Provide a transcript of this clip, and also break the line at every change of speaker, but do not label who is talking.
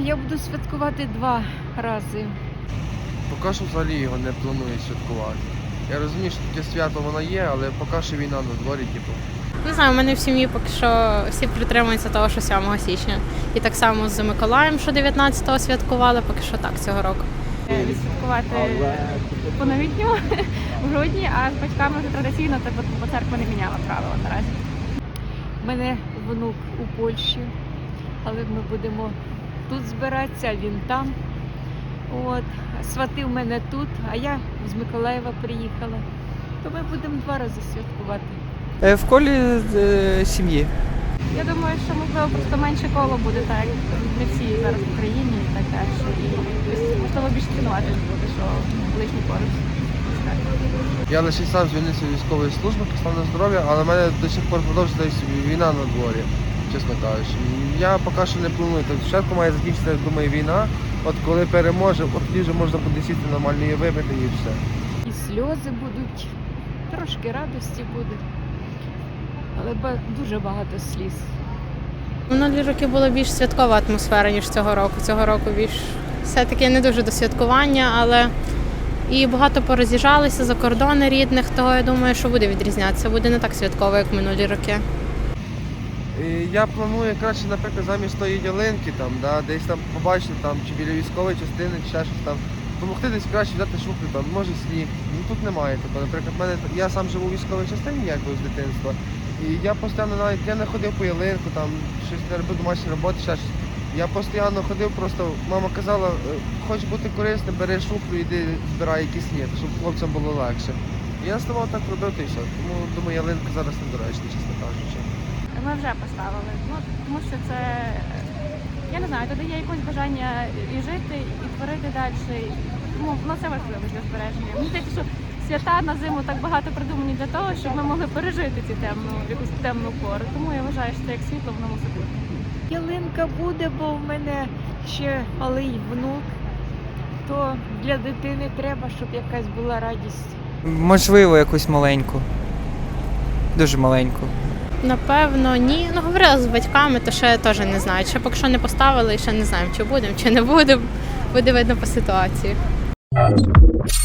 Я буду святкувати 2 рази.
Поки що взагалі його не планую святкувати. Я розумію, що таке свято воно є, але поки що війна на дворі, типу.
Не знаю, у мене в сім'ї поки що всі притримуються того, що 7 січня. І так само з Миколаєм, що 19-го святкували, поки що так цього року.
Відсвяткувати по новітньому в грудні, а з батьками вже традиційно, бо церква не міняла правила наразі.
У мене внук у Польщі, але ми будемо тут збиратися, а він там. От. Свати в мене тут, а я з Миколаєва приїхала. То ми будемо 2 рази святкувати.
В колі сім'ї.
Я думаю, що можливо просто менше коло буде, так як не всі зараз в Україні і так далі. І можливо більше цінувати буде, що ближній поруч.
Я лише сам звільнився з військової служби, став на здоров'я, але в мене до сих пор продовжується війна на дворі, чесно кажучи. Я поки що не планую. Спочатку має закінчитися, думаю, війна. От коли переможе, от тоді вже можна буде сісти нормально і випити, і все.
І сльози будуть, трошки радості буде, але дуже багато сліз.
Минулі роки була більш святкова атмосфера, ніж цього року. Цього року більш все-таки не дуже до святкування, але і багато пороз'їжджалися за кордони рідних, того я думаю, що буде відрізнятися. Буде не так святково, як минулі роки.
Я планую краще, наприклад, замість тої ялинки, там, да, десь там побачити, там, чи біля військової частини, чи ще щось там, допомогти десь краще взяти шуплю, там, може сніг. Ну тут немає такого. Наприклад, я сам живу у військовій частині, якби з дитинства. І я постійно навіть не ходив по ялинку, там, щось не робив домашні роботи, ще щось. Я постійно ходив, просто мама казала, хочеш бути корисним, бери шуплю, йди збирай якийсь сніг, щоб хлопцям було легше. І я ставав так робити і все. Тому думаю, ялинка зараз недоречна, чесно кажучи.
Ми вже поставили, тому що це, я не знаю, додає якось бажання і жити, і творити далі. Тому воно це важливо для збереження. Мені здається, що свята на зиму так багато придумані для того, щоб ми могли пережити цю якусь темну пору. Тому я вважаю, що це як світло, воно мусить бути.
Ялинка буде, бо в мене ще малий внук, то для дитини треба, щоб якась була радість.
Можливо, якусь маленьку. Дуже маленьку.
Напевно, ні. Ну, говорила з батьками, то ще теж не знаю. Ще поки що не поставили, ще не знаємо, чи будемо, чи не будемо. Буде видно по ситуації.